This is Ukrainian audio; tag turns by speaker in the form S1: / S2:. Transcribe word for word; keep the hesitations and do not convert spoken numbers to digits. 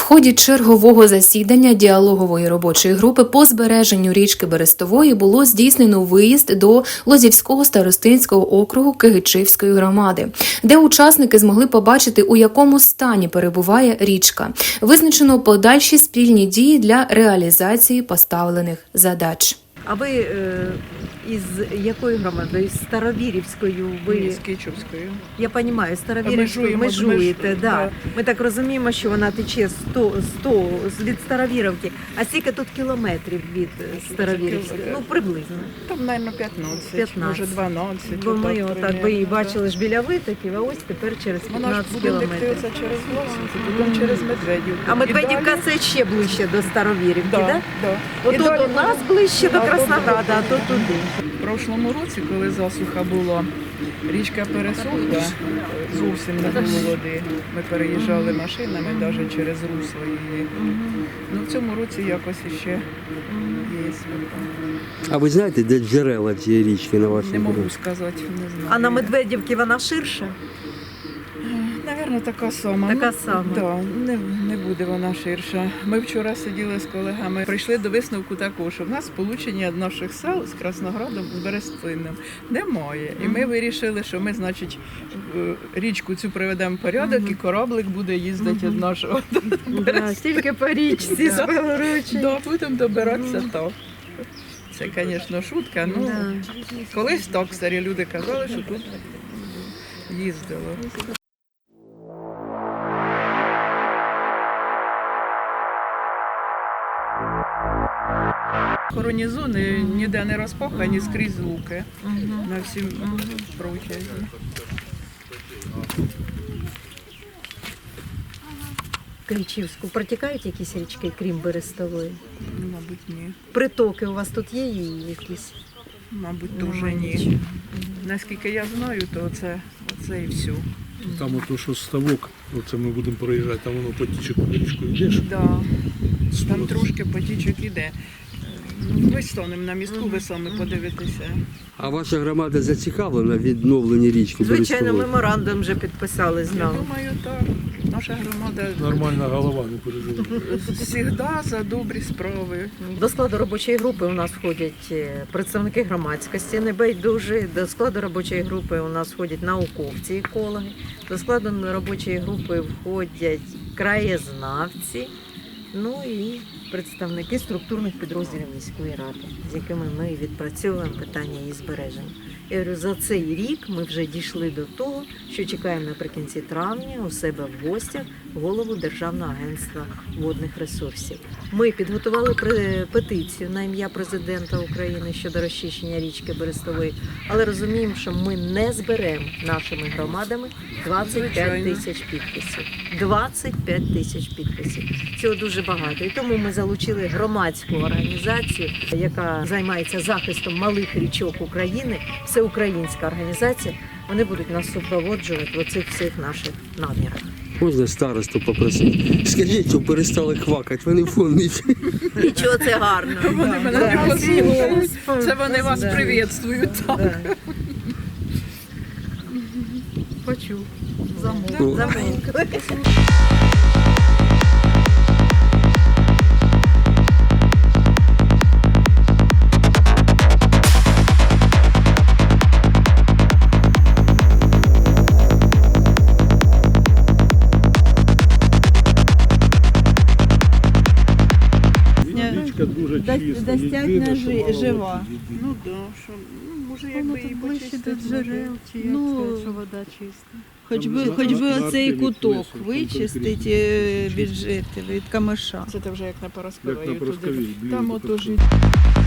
S1: ході чергового засідання діалогової робочої групи по збереженню річки Берестової було здійснено виїзд до Лозівського старостинського округу Кигичівської громади, де учасники змогли побачити, у якому стані перебуває річка. Визначено подальші спільні дії для реалізації поставлених задач.
S2: А ви е, із якої громади? Із Старовірівською? Ви...
S3: З Кичівською.
S2: Я розумію, Старовірівською
S3: Межуємо,
S2: межуєте.
S3: меж-
S2: Да.
S3: да.
S2: Ми так розуміємо, що вона тече сто, сто від Старовірівки. А скільки тут кілометрів від Старовірівської? Ну, приблизно.
S3: Там, мабуть, п'ятнадцять,
S2: п'ятнадцять.
S3: може дванадцять.
S2: Бо ми
S3: отак
S2: отак
S3: примерно,
S2: ви її
S3: да.
S2: бачили ж біля витоків, а ось тепер через
S3: Вона ж
S2: п'ятнадцять
S3: буде
S2: кілометрів.
S3: диктується через Власенці, потім через Медведівку.
S2: А Медведівка
S3: І далі-
S2: це ще ближче до Старовірівки,
S3: Да,
S2: так? Да?
S3: да. І
S2: Отут
S3: далі
S2: у нас ближче до
S3: А тут
S2: Краснограда, а то туди.
S3: В прошлому році, коли засуха була, річка пересохла, зовсім не було води. Ми переїжджали машинами навіть через русло її. Ну, в цьому році якось іще є.
S4: А ви знаєте, де джерела цієї річки на вашій
S3: Не можу
S4: дорозі?
S3: сказати, не знаю.
S2: А на Медведівці вона ширша?
S3: Навірно, така сама.
S2: Така
S3: Ну,
S2: сама.
S3: Да, не, не буде вона ширша. Ми вчора сиділи з колегами, прийшли до висновку такого, що в нас сполучення наших сел з Красноградом, з Берестином немає. І ми вирішили, що ми, значить, в річку цю приведемо в порядок, і кораблик буде їздити від нашого до
S2: Да,
S3: Берестина.
S2: тільки по річці
S3: Да.
S2: з Белоручі.
S3: Да, будемо добиратися так. Це, звісно, шутка. Ну,
S2: Да.
S3: колись так старі люди казали, що тут їздило. Охоронні зони ніде не розпахані, скрізь луки на всім протязі.
S2: Киричівську протікають якісь річки, крім Берестової?
S3: Мабуть, ні.
S2: Притоки у вас тут є її якісь?
S3: Мабуть,
S2: Нема
S3: дуже ні.
S2: нічого.
S3: Наскільки я знаю, то це, це і все.
S5: Там ото, що ставок, оце ми будемо проїжджати, там воно потіче по річку йдеш.
S3: Да. Там
S5: Сто-
S3: трошки потічок іде. Ну, Ми станемо на містку, ви самі подивитеся.
S4: А ваша громада зацікавлена в відновленні річки
S2: Звичайно,
S4: Берестової?
S2: меморандум вже підписали з
S3: Я
S2: нами.
S3: думаю, так. Наша громада
S5: Нормальна голова, не переживай.
S3: завжди за добрі справи.
S2: До складу робочої групи у нас входять е, представники громадськості небайдужі, до складу робочої групи у нас входять науковці, екологи, до складу робочої групи входять краєзнавці, ну і представники структурних підрозділів міської ради, з якими ми відпрацьовуємо питання її збереження. Я говорю, за цей рік ми вже дійшли до того, що чекаємо наприкінці травня у себе в гостях голову Державного агентства водних ресурсів. Ми підготували пре- петицію на ім'я президента України щодо розчищення річки Берестової, але розуміємо, що ми не зберемо нашими громадами двадцять п'ять тисяч підписів. двадцять п'ять тисяч підписів. Цього дуже багато. І тому ми залучили громадську організацію, яка займається захистом малих річок України, всеукраїнська організація. Вони будуть нас супроводжувати в оцих всіх наших намірах.
S4: Можна старосту попросити? Скажіть, щоб перестали хвакати, вони фонить.
S2: Нічого, це гарно.
S3: Вони мене
S2: Да.
S3: не послухають. Це вони вас
S2: Да.
S3: привітствують. Так.
S2: Да. Почув. Замовк.
S4: Ну.
S2: Замовк.
S5: Річка дуже чиста.
S6: достатньо
S5: єдине, що
S6: жи-
S5: мало
S6: жива.
S5: води.
S3: Ну так, що ну, може якби і
S6: ближче
S3: почистити.
S6: до джерел, чи як Ну, сказати, що вода чиста. Хоч
S5: Там
S6: би,
S5: на-
S6: хоч би
S5: на- на
S6: оцей
S5: артелі
S6: куток
S5: плесо, там
S6: вичистити
S5: конкретно.
S6: е, від жителів, від камиша.
S3: Це те вже як на Парасковій.
S5: Як на Парасковій, блін,
S3: Там
S5: то
S3: ото
S5: так.
S3: ж